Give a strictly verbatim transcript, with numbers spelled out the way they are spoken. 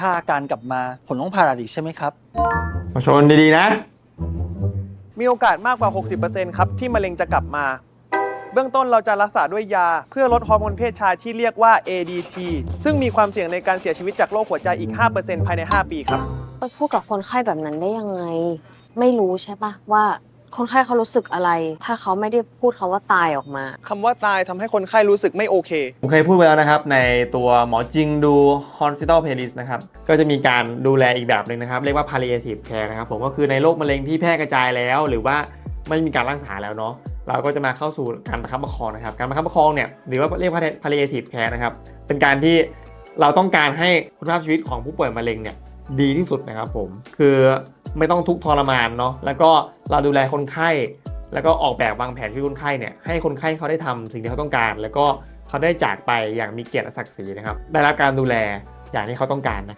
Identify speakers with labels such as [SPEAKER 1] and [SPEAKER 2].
[SPEAKER 1] ถ้าอาการกลับมาผมต้องผ่าตัดอีกใช่ไหมครับ
[SPEAKER 2] มาชนดีๆนะ
[SPEAKER 3] มีโอกาสมากกว่า หกสิบเปอร์เซ็นต์ ครับที่มะเร็งจะกลับมา เบื้องต้นเราจะรักษาด้วยยาเพื่อลดฮอร์โมนเพศชายที่เรียกว่า เอ ดี ที ซึ่งมีความเสี่ยงในการเสียชีวิตจากโรคหัวใจอีก ห้าเปอร์เซ็นต์ ภายใน ห้า ปีครับ
[SPEAKER 4] ไปพูดกับคนไข้แบบนั้นได้ยังไงไม่รู้ใช่ปะว่าคนไข้เขารู้สึกอะไรถ้าเขาไม่ได้พูดคำว่าตายออกมา
[SPEAKER 3] คำว่าตายทำให้คนไข้รู้สึกไม่โอเค
[SPEAKER 2] ผมเคยพูดไปแล้วนะครับในตัวหมอจริงดู Hospital Playlist นะครับก็จะมีการดูแลอีกแบบหนึ่งนะครับเรียกว่า palliative care นะครับผมก็คือในโรคมะเร็งที่แพร่กระจายแล้วหรือว่าไม่มีการรักษาแล้วเนาะเราก็จะมาเข้าสู่การประคับประคองนะครับการประคับประคองเนี่ยหรือว่าเรียกว่า palliative care นะครับเป็นการที่เราต้องการให้คุณภาพชีวิตของผู้ป่วยมะเร็งเนี่ยดีที่สุดนะครับผมคือไม่ต้องทุกข์ทรมานเนาะแล้วก็เราดูแลคนไข้แล้วก็ออกแบบวางแผนชีวิตคนไข้เนี่ยให้คนไข้เขาได้ทำสิ่งที่เขาต้องการแล้วก็เขาได้จากไปอย่างมีเกียรติและศักดิ์ศรีนะครับได้รับการดูแลอย่างที่เขาต้องการนะ